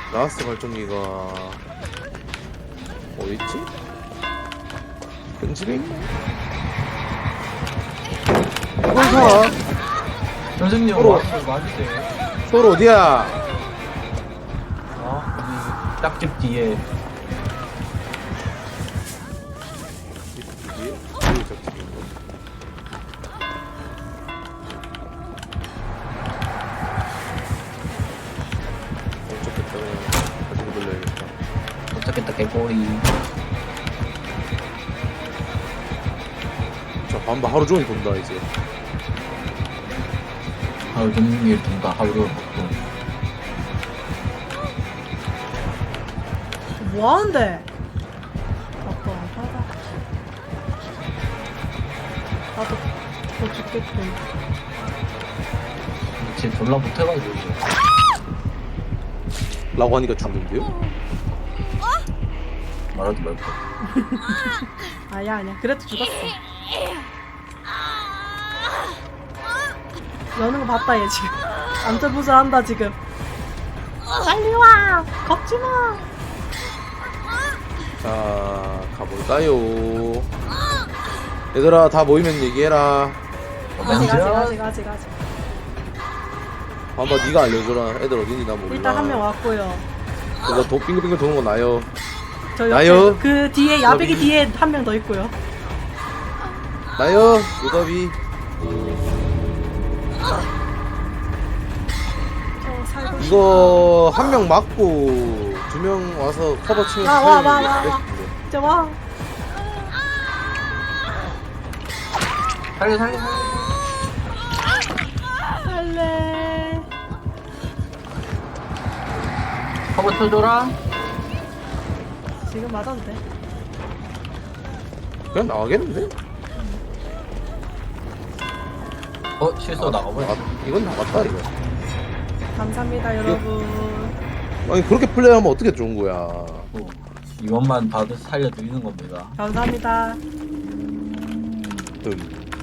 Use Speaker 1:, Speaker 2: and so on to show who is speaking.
Speaker 1: 라스트 발전기가 어딨지? 큰 집에 있나? 이걸 사!
Speaker 2: 선생님
Speaker 1: 서로.
Speaker 2: 와서 맞으세요.
Speaker 1: 서울 어디야?
Speaker 2: 여기 짝집 뒤에.
Speaker 1: 이게? 이게 저쪽인가? 어쩌겠다 그냥 가지고 돌려야겠다.
Speaker 2: 도착했다 개꼬리.
Speaker 1: 자 반바 하루 종일 돈다 이제.
Speaker 2: 하루 종일 돈과 하루를 먹고.
Speaker 3: 뭐하는데? 아빠 하다. 나도 더 죽겠군.
Speaker 2: 쟤 졸라 못해가지고.
Speaker 1: 라고 하니까 죽는데요?
Speaker 2: 말하지 말고.
Speaker 3: 아니야. 그래도 죽었어. 여는 거 봤다 얘 지금. 안절부절 한다 지금. 빨리 와. 걷지 마.
Speaker 1: 자 가볼까요? 얘들아 다 모이면 얘기해라.
Speaker 3: 아직.
Speaker 1: 반바 네가 알려줘라. 애들 어딘지 나 몰라.
Speaker 3: 일단 한 명 왔고요.
Speaker 1: 그거 도 빙글빙글 도는 거 나요.
Speaker 3: 저
Speaker 1: 나요?
Speaker 3: 옆에 그 뒤에 야배기
Speaker 1: 너비.
Speaker 3: 뒤에 한 명 더 있고요.
Speaker 1: 나요 요답이.
Speaker 3: 저 살고 싶어.
Speaker 1: 이거 한 명 맞고 두 명 와서 커버 치면
Speaker 3: 와. 이제 와.
Speaker 2: 살려.
Speaker 3: 할래.
Speaker 2: 커버 쳐줘라.
Speaker 3: 지금 맞아도 돼.
Speaker 1: 그냥 나가겠는데?
Speaker 2: 실수 나가버렸어.
Speaker 1: 이건 나갔다 이거.
Speaker 3: 감사합니다 여러분.
Speaker 1: 아니 그렇게 플레이하면 어떻게 좋은 거야?
Speaker 2: 이것만 봐도 살려드리는 겁니다.
Speaker 3: 감사합니다.
Speaker 1: 음.